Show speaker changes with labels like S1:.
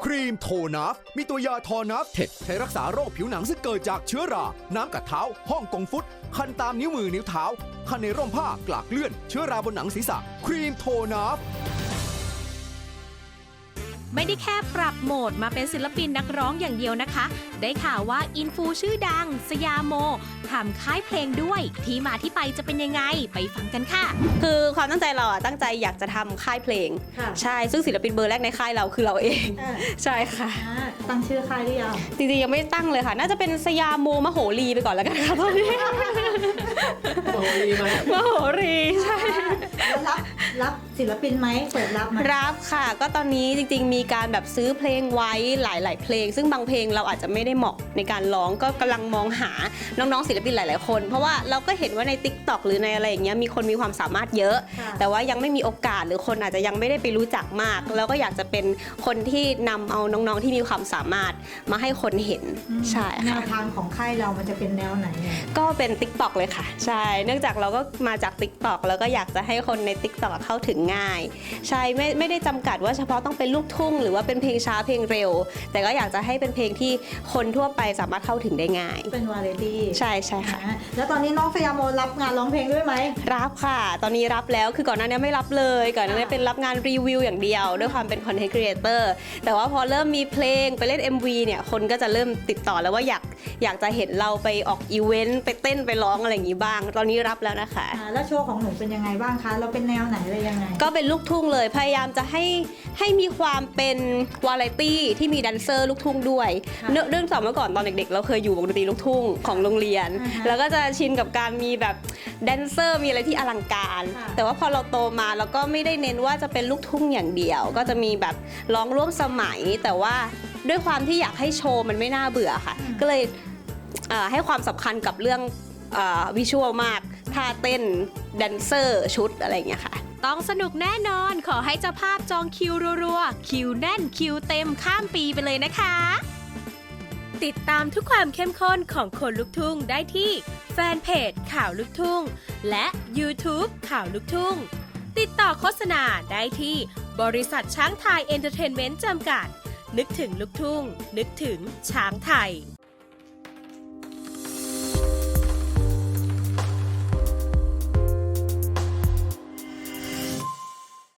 S1: ครีมโทนัฟมีตัวยาทอนัฟเท็ดใช้รักษาโรคผิวหนังซึ่งเกิดจากเชื้อรา น้ำกัดเท้าฮ่องกงฟุต คันตามนิ้วมือนิ้วเท้า คันในร่มผ้ากลากเลื่อน เชื้อราบนหนังศีรษะ ครีมโทนัฟ
S2: ไม่ได้แค่ปรับโหมดมาเป็นศิลปินนักร้องอย่างเดียวนะคะ ได้ข่าวว่าอินฟูชื่อดังสยามโมทำค่ายเพลงด้วยที่มาที่ไปจะเป็นยังไงไปฟังกันค่ะ
S3: คือความตั้งใจเราตั้งใจอยากจะทำค่ายเพลงใช่ซึ่งศิลปินเบอร์แรกในค่ายเราคือเราเองใช่ค่ะ
S4: ตั้งชื่อค่ายหรือยัง
S3: จริงๆยังไม่ตั้งเลยค่ะน่าจะเป็นสยามโมมโหรีไปก่อนแล้วกันค่ะตอนนี้
S4: มโหรีไหม
S3: มโหรีใช่
S4: แล้วรับศิลปินไหมเปิดรับไหม
S3: รับค่ะก็ตอนนี้จริงๆมีการแบบซื้อเพลงไว้หลายๆเพลงซึ่งบางเพลงเราอาจจะไม่ได้เหมาะในการร้องก็กำลังมองหาน้องๆศิลปินหลายๆคนเพราะว่าเราก็เห็นว่าใน TikTok หรือในอะไรอย่างเงี้ยมีคนมีความสามารถเยอะแต่ว่ายังไม่มีโอกาสหรือคนอาจจะยังไม่ได้ไปรู้จักมากแล้วก็อยากจะเป็นคนที่นำเอาน้องๆที่มีความสามารถมาให้คนเห็นใช่ค่ะ
S4: แนวทางของค่ายเรามันจะเป็นแนวไหน
S3: ก็เป็น TikTok เลยค่ะใช่เนื่องจากเราก็มาจาก TikTok แล้วก็อยากจะให้คนใน TikTok เข้าถึงง่ายใช่ไม่ได้จำกัดว่าเฉพาะต้องเป็นลูกทุ่งหรือว่าเป็นเพลงช้าเพลงเร็วแต่ก็อยากจะให้เป็นเพลงที่คนทั่วไปสามารถเข้าถึงได้ง่าย
S4: เป็นวาไรตี้
S3: ใช่ค่ะ
S4: แล้วตอนนี้น้องสยามโมรับงานร้องเพลงด้วยไหม
S3: รับค่ะตอนนี้รับแล้วคือก่อนหน้านี้ไม่รับเลยก่อนหน้านี้เป็นรับงานรีวิวอย่างเดียวด้วยความเป็นคอนเทนต์ครีเอเตอร์แต่ว่าพอเริ่มมีเพลงไปเล่น MV เนี่ยคนก็จะเริ่มติดต่อแล้วว่าอยากจะเห็นเราไปออกอีเวนต์ไปเต้นไปร้องอะไรอย่างนี้บ้างตอนนี้รับแล้วนะคะ
S4: แล้วโชว์ของหนูเป็นยังไงบ้างคะเราเป็นแนวไหนอะไรยังไง
S3: ก็เป็นลูกทุ่งเลยพยายามจะให้มีความเป็นวาไรตี้ที่มีแดนเซอร์ลูกทุ่งด้วยเรื่องสองเมื่อก่อนตอนเด็กๆเราเคยอยู่วงดนตรีลูกทุ่งของโรงเรียนแล้วก็จะชินกับการมีแบบแดนเซอร์มีอะไรที่อลังการแต่ว่าพอเราโตมาเราก็ไม่ได้เน้นว่าจะเป็นลูกทุ่งอย่างเดียวก็จะมีแบบร้องร่วมสมัยแต่ว่าด้วยความที่อยากให้โชว์มันไม่น่าเบื่อค่ะก็เลยให้ความสำคัญกับเรื่องวิชวลมากท่าเต้นแดนเซอร์ชุดอะไรอย่างเงี้ยค่ะ
S2: ต้องสนุกแน่นอนขอให้เจ้าภาพจองคิวรัวๆคิวแน่นคิวเต็มข้ามปีไปเลยนะคะติดตามทุกความเข้มข้นของคนลุกทุ่งได้ที่แฟนเพจข่าวลุกทุ่งและ YouTube ข่าวลุกทุ่งติดต่อโฆษณาได้ที่บริษัทช้างไทยเอนเตอร์เทนเมนต์จำกัดนึกถึงลุกทุ่งนึกถึงช้างไทย